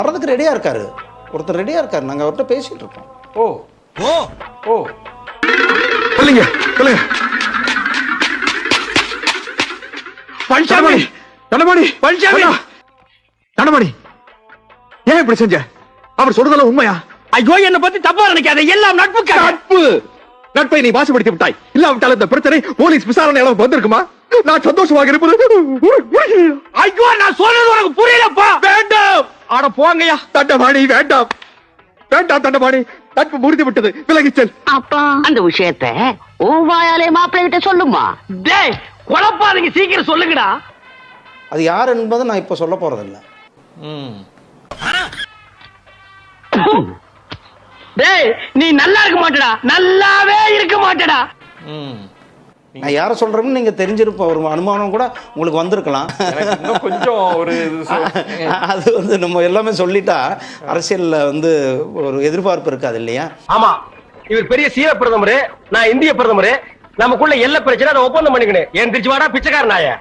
வர்றதுக்கு ரெடியாக இருக்காரு, ஒருத்தர் ரெடியாக இருக்காரு. நாங்கள் அவர்கிட்ட பேசிகிட்டு இருக்கோம். ஓ ஓ ஓ சொல்லுங்க சொல்லுங்க. பழனிசாமி, தண்டபாணி பழனிசாமி, தண்டபாணி, ஏன் இப்படி செஞ்ச? அவர் சொல்றதெல்லாம் உண்மையா? ஐயோ என்ன பத்தி தப்பா நினைக்காத, எல்லாம் நட்புக்காக. நட்பு நட்பை நீ வாசிப்படுத்தி விட்டாய். இல்லாவிட்டால் இந்த பிரச்சனை போலீஸ் விசாரணை அளவுக்கு வந்திருக்குமா? நான் சந்தோஷமாக இருப்பது. ஐயோ நான் சொல்றது உனக்கு புரியலப்பா. வேண்டாம். ஆட போங்கய்யா. தண்டபாணி வேண்டாம், வேண்டாம் தண்டபாணி. நட்பு முறிந்து விட்டது, விலகிச் செல். அப்பா அந்த விஷயத்த உன் வாயாலே மாப்பிள்ளை கிட்ட சொல்லுமா. டேய் குழப்பாதீங்க, சீக்கிரம் சொல்லுங்கடா. அது யார் என்பதை நான் இப்போ சொல்ல போகிறதில்ல. டேய் நீ நல்லா இருக்க மாட்டடா, நல்லாவே இருக்க மாட்டடா. நான் யாரை சொல்கிறேன்னு நீங்கள் தெரிஞ்சிருப்ப ஒரு அனுமானம் கூட உங்களுக்கு வந்திருக்கலாம். இன்னும் கொஞ்சம் ஒரு அது வந்து நம்ம எல்லாமே சொல்லிட்டா அரசியலில் வந்து ஒரு எதிர்பார்ப்பு இருக்காது இல்லையா? ஆமா, இவர் பெரிய சீர பிரதமர், நான் இந்திய பிரதமர். நமக்குள்ள எல்லை பிரச்சனை, அதை ஒப்பந்தம் பண்ணிக்கணும். ஏன் திருச்சி வாடா பிச்சைக்கார நாய.